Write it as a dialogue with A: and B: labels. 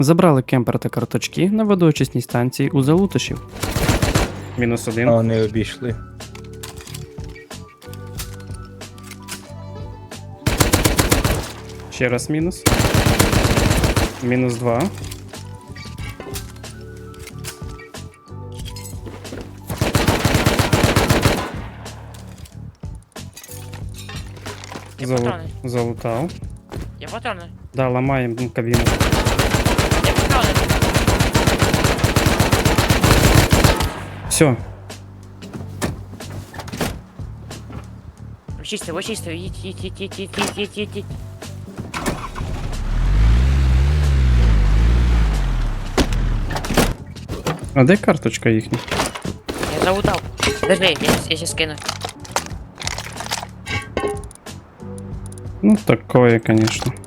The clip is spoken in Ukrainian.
A: Забрали кемпер та карточки на водоочисній станції у Залутошів. Мінус один.
B: А вони обійшли.
A: Ще раз мінус. Мінус 2.
C: Є патрони.
A: Залутав.
C: Є патрони.
A: Да, ламаємо кабіну.
C: Є патрони.
A: Все.
C: Ви чисто, їдь.
A: А де карточка їхня?
C: Я залутав. Подожди, я сейчас скину.
A: Ну, такое, конечно.